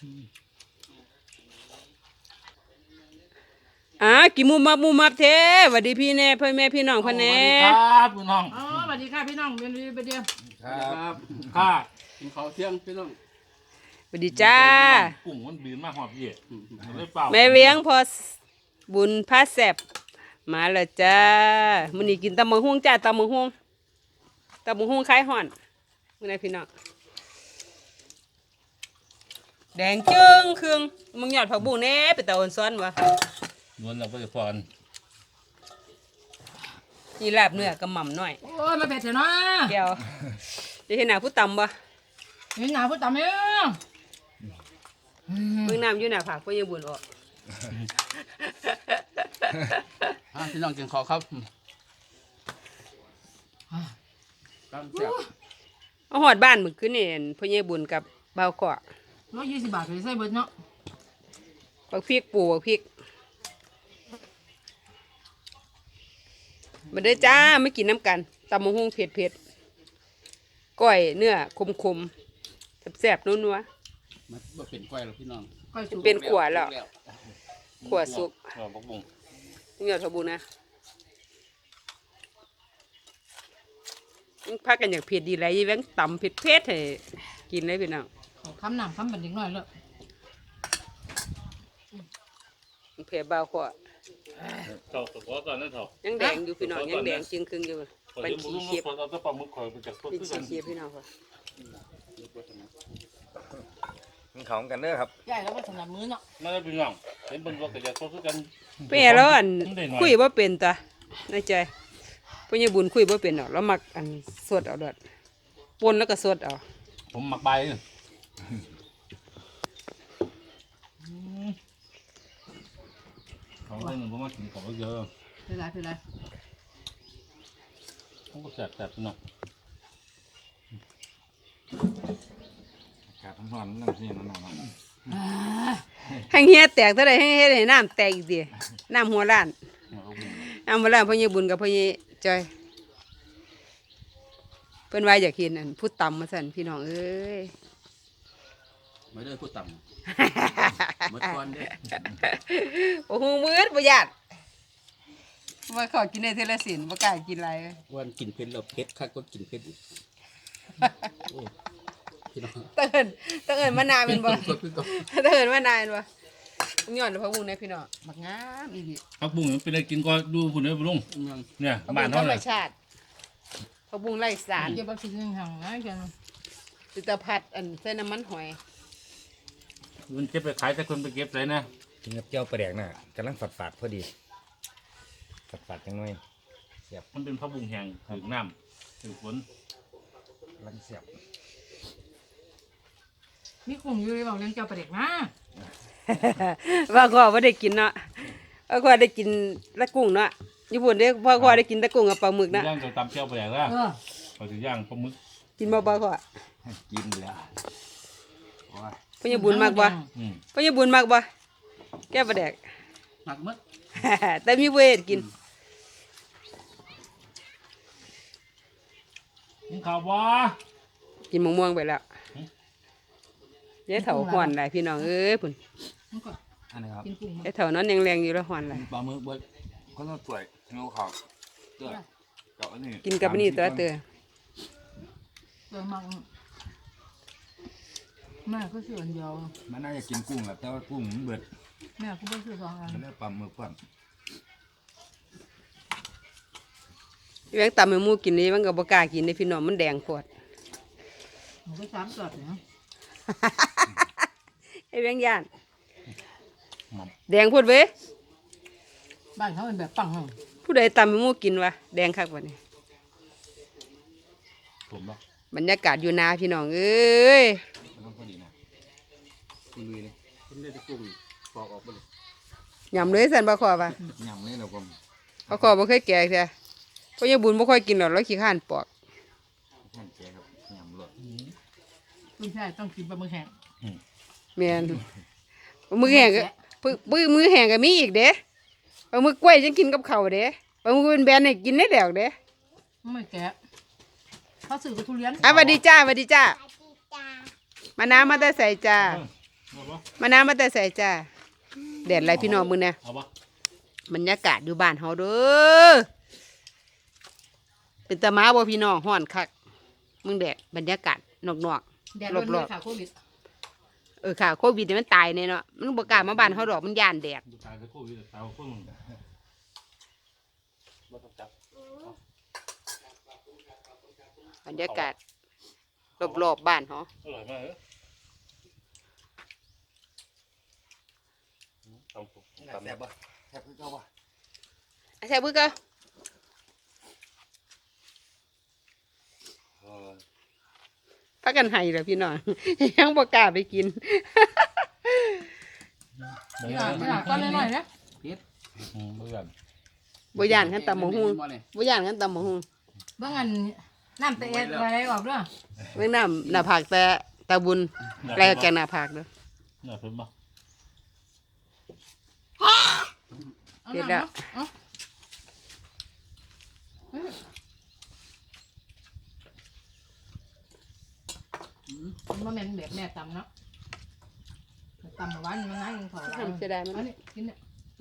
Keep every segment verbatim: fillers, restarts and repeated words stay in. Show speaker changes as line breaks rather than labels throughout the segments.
อ่ากี่มุมมับมุมมับเท้สวัสดีพี่แน่พ่อแม่พี่น้องพ่อแน่
สวัสดีครับพี่น้อง
อ๋อสวัสดีค่ะพี่น้องเรียนไปเดียว
ครับข้ากินข้าวเที่ยงพี่น้อง
สวัสดีจ้า
กุ้งมันบินมาหอบเย่ไม่เปล่า
แม่เลี้ยงพอบุญพาแสบมาแล้วจ้ามื้อนี้กินตำบักหุ่งจ้าตำบักหุ่งตำบักหุ่งคล้ายห่อนมื้อนี้พี่น้องแดงจึ้งเครื่องมึงหยอดผักบุ้งแน่ไปตะอ่อนซ้อนวะ
นวลเราไปพร
นี่ลาบเนื้อกระหม่ำหน่อย
โอ้ยมาเผ็ดเถอะเนาะ
แก้วจะเห็นหน้าผู้ตำบ่
เห็นหนาพูดตามเอง
เบิ่งน้ำอยู่หน้าผากเพิ่นยังบุญออก
พี่น้องกินข้าวครับตามแซ่บ
เอาหอดบ้านมื้อคืนนี่เพิ่นยังบุญกับบ่าวขอ
ร้อยยี่สิบบาทเลยใส่เบิดเนาะ
บักพริกปูบักพริกมาเด้อจ้าไม่กินน้ำกันตำมะฮุ่งเผ็ดเผ็ดก้อยเนื้อคมคมแซ่บๆนัว
ๆมันเป็นก้อยแล้วพี่น้อง
เป็นขวดแล้วขวดสุก
ขวดบักบุ้ง
นี่ยอดทบูนะยังพักกันอย่างเผ็ดดีไรยี่แบงตำเผ็ดเผ็ดให้กินเลยพี่น้อง
คำหนังคำบันเด็กน้อยเลย
เผ็ดเบาขวด
เถาะขอตอนนั้นเถาะ
ยังแดงอยู่พี่น้องยังแดงจึงครึ่งอยู่เป็นขี้เคียบ
เราจะปลาหมึกคอยไปจากต้น
เป็นขี้เคียบพี่น้องค่ะ
มันของกันเด้อครับ
ใหญ่แล้วก็สำหรับมื้อเนาะ
นั่นเป็นน้องเห็นบนรถแต่จากต้นกัน
เปรี้ยแล้วอันคุยว่าเป็นตาในใจพ่อใหญ่บุญคุยว่าเป็นหรอกแล้วมักอันสดเอาดอดปนแล้วก็สดเอา
ผมหมักใบเขาเล่นผมมากินของเยอะ
เป็นไรเป็นไร
ผมก็แสบแสบเนาะ
ขาดทั้งวันนั่งที่นั่นนอน
ให้เฮียแตกเท่าไรให้เฮียให้น้ำแตกอีกทีน้ำหัวล้านน้ำหัวล้านพ่อใหญ่บุญกับพ่อใหญ่จอยเพิ่นว่าอยากเห็นอันพูดต่ำมาสั่นพี่น้องเอ้ย
ไม่ได้พูดต่ำเมื่อก่อนเด้
โอ้โหมืดประหยัดว่าขอกินในเทเลสินว่ากล้ากินอะไร
วันกินเผ็ดเราเผ็ดคักก็กินเผ็ด
เตือนเตือนมานานเป็นบ่เตือนมานานบ่ย้อนพักบุ้งในพี่น้องบักงามอีก
พักบุ้งเป็นอะไรกินก็ดูผุนเลยลุงเนี่ยบ้านเขาเลย
พักบุ้งไร้สาร
เดี๋ยวบางทีนึงห่างนะกัน
ติตาผัดอันใส่น้ำมันหอย
มันเก็บไปขายแต่คนไปเก็บเลยนะ
กินกับเจ้าปลาแดกน่ะกำลังฝาดฝาดพอดีฝาดฝาดจังหน่อย
เสียบมันเป็นพักบุ้งแห้งถือน้ำถือฝน
ลังเสียบ
มีกุ้งอยู่เลยบอกเลี้ยงเจ้าปลาเด็กนะ
ว่าก็ว่าได้กินเนาะว่าก็ได้กินละกุ้งเนาะญี่ปุ่นได้พ่อก็ได้กินตะกุ้งกับปลาหมึกนะ
ย่างจะตำเจียวไปอย่างละเขาจะย่างปลาหมึก
กินบ่บ่ก็
กินแล้ว
พ่อญี่ปุ่นมากบ่พ่อญี่ปุ่นมากบ่แก้ปลาแดก
มากมั้ง
แต่มีเวทกิน
กินข้าวบ่
กินมะม่วงไปแล้วเดี๋ยวเถาหอนไหลพี่น้องเอ้ยพุ่น
อันนี้ครับ
เดี๋ยวเถานอนแรงๆอยู่แล้วหอนไหล
ปลาหมึกบ่เขาต้องสวยเงาขาวเตือกับอันนี้
กินกับอันนี้ตัวเตือ
เตือมังแม่ก็เสืออันเดียว
มันน่าจะกินกุ้งแหละแต่ว่ากุ้งมันเบิด
แม่ก็ไม่เสือสองอัน
มันได้ปลาหมึกก่อน
แบงตำให้มูกินนี่มันก็บ่กล้ากินในพี่น้องมันแดงปวด
มันก็สามสอดเนาะ
ไอ้แบงย่านแดงพูดเว้ย
บ้านเขาเป็นแบบปัง
ผู้ใดตำให้มูกินวะแดงคักวะนี่บรรยากาศอยู่นาพี่น้องเอ้ยยำเลยสันบะขอปะ
ยำเลยเราก็
บะขอบ่เคยแก่แท้เพราะยังบุญบ่ค่อยกินหรอกแล้วขี้ข้านปอก
ไม่ใช่ต้องกินปลาหมึกแห้ง
เมียนปลาหมึกแห้งก็ปึ้งมือแห้งก็มีอีกเด้ปลาหมึกกล้วยฉันกินกับข้าวเด้ปลาหมึกเป็นแบนให้กินได้แล้วเด้
ไม่แกะเขาสื่อกับทุเรียน
อ่ะสวัสดีจ้าสวัสดีจ้ามาน้ำมาได้ใส่จ้า
เอาปะ
มาน้ำมาแต่ใส่จ้าแดดไรพี่น้องมึงเนี่ย
เอาปะ
บรรยากาศอยู่บ้านเฮาเด้อเป็นตะมาบ่พี่น้องฮ้อนคักมึงแดดบรรยากาศนอก
แดด
ๆ
ร้อน
ร
เล
อย บ
ค่ะโควิด
ๆเออค่ะโควิดนี่มันตายแน่เนาะมันบ่กล้ามาบ้านเฮาดอกมันย่านแดด
ดูตายจะโควิดตายพวกมึงบ่ต้องจับบ
รรยากาศรอบๆบ้านเฮา
อร่อยมากเลยตำปุ๊บตำ
แซ่บบ่แซ่บคือเก่าบ่
อ่ะแซ่บบึกเก็
เออ
พากันให้ล่ะพี่น้อง ยังบ่กล้าไปกิน
นี่ล่ะนี่ล่ะตอนน้อยๆนะ
อืมเบื่อ
บ่ย่านกันตำบักหุ่งบ่ย่านกันตำบักหุ่ง
เบิ่งอันน้ำตะเอ็ดอะไรออกเด้อ
เบิ่งน้ำหน้าผากแต่ตาบุญแลกแกงหน้าผากเด้อ
น่าเพิ่มปะ
เอา
เดี๋ยว
น้ำ
เดี๋ยว
เนาะเอาอืมมันบ่แม่นแบบแม่ตำเนาะตำเมื่อวานมันง่ายยังพอละ
ทำเสียดายมัน
อันนี้กินเนี่ย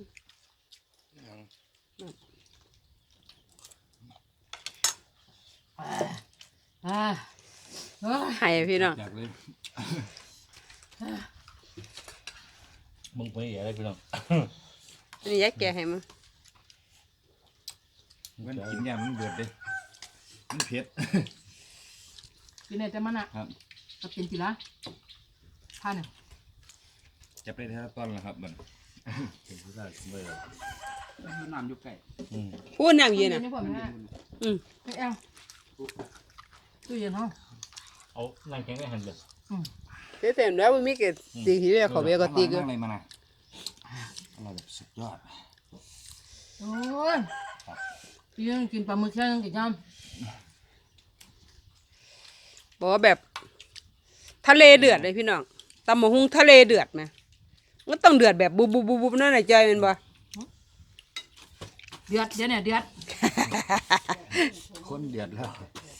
อ่าอ่าเอ้ย
ให้พี่น้อง
อยากเลยมึงไปอะไรพี่น้อง
อันนี้ยายแกะให้มึง
มันกินยามมันเบิดเด้มันเผ็ด
กินได้แต่มันอ่ะ
ครับ
กับเป็นกีฬาท่าเนี่ย
จับได้แท้ตอนละครับมัน
เป็นผู้ชายเบื่อ
น้ำอยู่ใกล้
อืม
พูดน้ำเย็นอ่ะ
นี่ผมนะ
อืม
ไม่เอาตู้เย็นห้อง
เอานั่งแข็งได้หันเลย
เสียเต็มแล้วมันมีเกศตีที่เรียกเขาเบียก็ตีก็
อะไรมาน่ะอะไรแบบสุดยอด
โอ้ยพี่ยังกินปลาหมึกแค่ยังกี่จาน
บอกว่าแบบทะเลเดือดเลยพี่น้องตำมะฮุงทะเลเดือดนะมันต้องเดือดแบบบุบบุบบุบบุบนั่นน่ะจอยแมันบ่
เดือดเดี๋ยวเนี่ยเดือด
คนเดือดแล้ว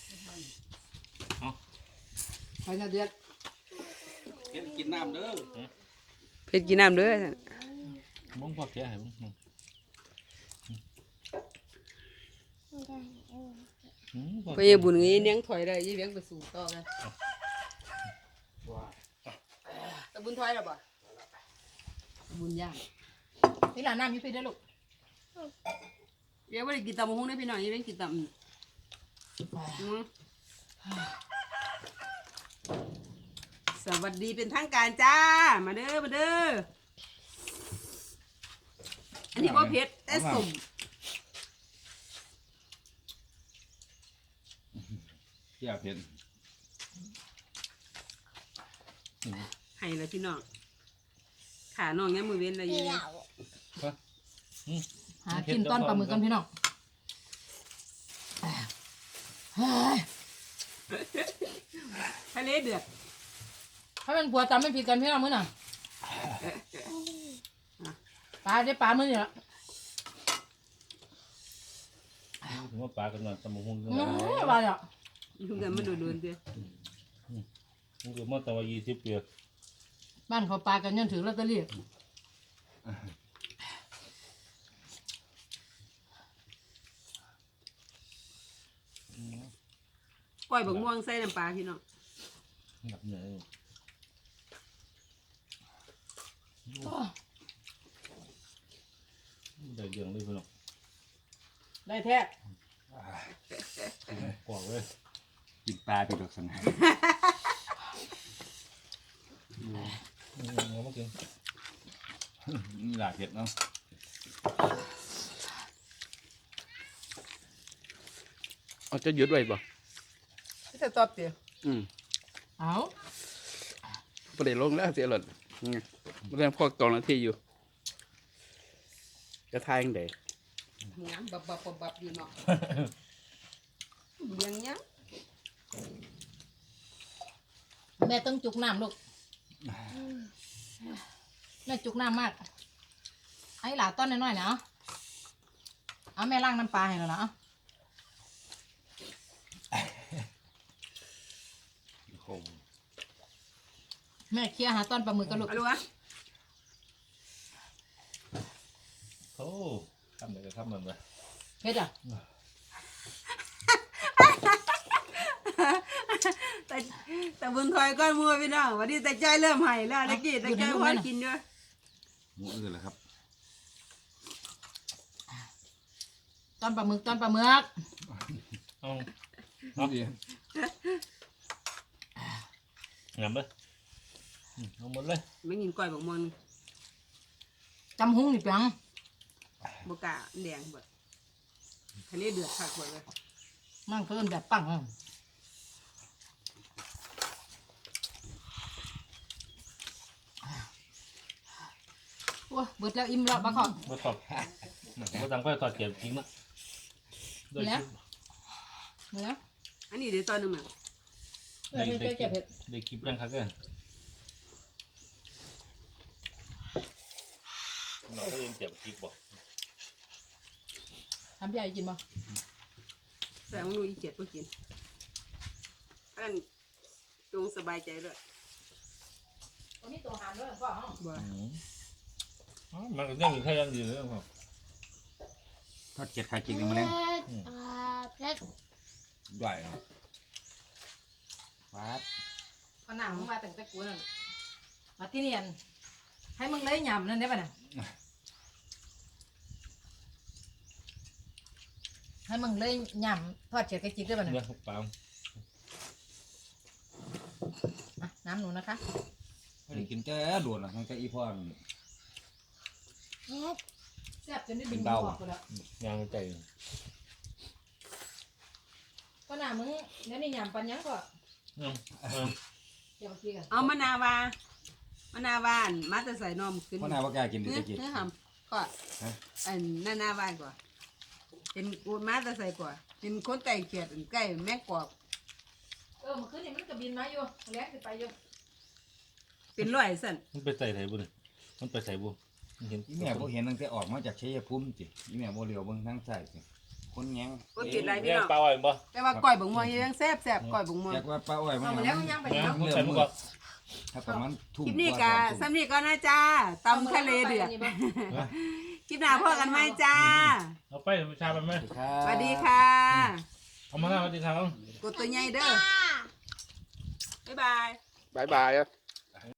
ไปเนี่ยเดือด
กินน้ำเด้อ
เผ็ดกินน้ำเด้อ
มึงพอแก่ให้มึงอืม
ไปยังบุญงี้เลี้ยงถอยได้ยี่เลี้ยงไปสู่ต่อกันตะบุญถอยแล้วบ่
บุญย่างนี่หลานน้ำอยี่ปีได้อลูก
เลี้ยงไม่ได้กินตำมะฮุงได้พี่น้องยี่เลี้ยงกินตำอืมสวัสดีเป็นทางการจ้ามาเด้อมาเด้ออันนี้ว่าเผ็ดแต่สม
เที่ยวเผ็ด
ให้เลยพี่น้องขาน้องเนี้ยมือเว้นเลยยี่เลี้ยง
หากินต้อนปลาหมึกกันพี่น้องเฮ้ย
ทะเลเดือด
ถ้าเป็นผัวจำไม่ผิดกันพี่น้องมื้อน่ะปลาได้ปลามื้อนี่ละ
ถึงว่าปลากันนอนตำบักหุ่ง
อื้อปลาเนี่ย
ยุ่งกันมาโดนๆเด้อ
มึงก็มาตั้งว่ายี่สิบปี
บ้านเขาปลากันยันถือลอตเตอรี่
ก้อยบักม่วงใส่น้ำปลาพี่น้อง
หนักเหนื่อยได้เรื่องเลยพี่น้อง
ได้แท้
กว่าเลย
กินปลาไปดอกสนะ
เอามากิน
นี่หลาเผ็ดเนาะ
เอาจะหยุดไว้บ่
จะตอบเตี๋ย
อืม
เอา
ประเดี๋ยวลงแล้วเสียหล่นเรื่องพวกกองนาทีอยู่จะทายยังไง
งามบับบับบับบับอยู่เนาะเลี้ยงยัง
แม่ต้องจุกน้ำลูกแม่จุกน้ำมากไอ้หลาต้นน้อยๆนะเอาเอาแม่ล้างน้ำปลาให้แล้วนะเอา
โอ้
แม่เคลียร์หาตอนปลาหมึกกันลูก
เอาลูกวะ
โอ้ทำไหนก็ทำมันไป
เฮ็ดอ่ะ
แต่แต่บุญถอยก้อนมัวพี่น้องวันนี้แต่ใจเริ่มหายแล้วตะกี้แต่ใจพอกินด้วย
หมูอื่นเหรอครับ
ตอนปลาหมึกตอนปลาหมึก
เอา
เอาดี
งามเลยอืมเอาหมดเลย
ไม่กินก้อยบกมอน
จำหุ้งนี่เปียง
บกะแดงเบิดทะเลเดือดคักเบิดเลย
มันเพิ่นแบบปังอะโอ้ยเบิดแล้วอิ่มแล้วบักขอบ
มาตอบมาตังก็ตอดเก็บทิ้งนะด้วย
แล้ว เนื้อ
อันนี้เดี๋ยวตอนหนึงอ่ะ
เออเฮ็ดเจ็บเผ็ด
ได้คลิปยังครับเนี่ยเราก็ยังเจ็บคลิปบ่
ทำใหญ่กินบ่
แต่มึงดูอีเจ็ดก็กินอันนั้นจงสบายใจเลย
วันนี้ตัวหานด้วยพ่อเฮา
บ่
อืมอ๋อมันก็ยังอยู่แค่ยังอยู่เลยครับ
ทอดเกล็ดไข่จิกนี่มาเล่น
เผ็ด
ด้วยเนาะฟัด
ก็นั่งมึงมาตั้งแต่กูนั่นมาที่นี่อันให้มึงเลยยำนั่นได้ป่ะน่ะให้มึงเลยยำทอดเฉียดกระจิกได้ป่ะน่ะ
เนี่ยปลา
อ่ะน้ำหนูนะคะ
ไม่ได้กินแต่โดนอ่ะทั้งแต่อีพ่อมัน
เผ็ด
แซ่บจนได้บิน
เป็นเบา
ออกไปแล้ว
ยางใจ
ก็น่ะมึงเดี๋ยวนี้ยำปันยังก็
อืมอืม
เดี๋ยวกินกัน
เอามะนาวามะนาวานมาแต่ใส่นมขึ้น
พ่อนาว่ากล้ากินดิ
เนื้อ
ตะกี้
เนื้อหำก็อันนานาบ้านกว่าเป็นกูมาแต่ใส่กว่าเป็นคนแต่งเขียดอันใกล้แม่กอก
เออเมื่อคืนนี่มันก็บินมาอยู่แล้งสิไปอยู่
เป็นร้อยสั่น
มันไปใส่ไหนบุญมันไปใส่บุมันเห็น
อีแม่บ่เห็นตั้งแต่ออกมาจากชัยภูมิจิอีแม่บ่เหลียวเบิ่งทางซ้ายสิคนแยง
ก็ติดอะไรพี่
เนี่ย
น้อง
ปลาอ่อยบ่
แต่ว่าก้อยบงมวงยังแซ่บแซ่บก้อยบงมวง
แจกว่าป้าอ้อยมัน
เอามาแล้วมันยังไป
เนี่ย
เนาะ
มันใส่มันก็
ถ้าประมาณทุ่ม
คลิปนี้
ว่า
กะ
สองทุ่ม
ซ้ำนี้ก็นะจ้าตำทะเลเดือดคลิปหน้าพ่อกันไหมจ้า
เอาไปชาไปไหม
สวัสดีค่ะ
เอามาแล้วสวัสดีครับ
กดตัวใหญ่เด้อบ๊ายบาย
บายบายอะ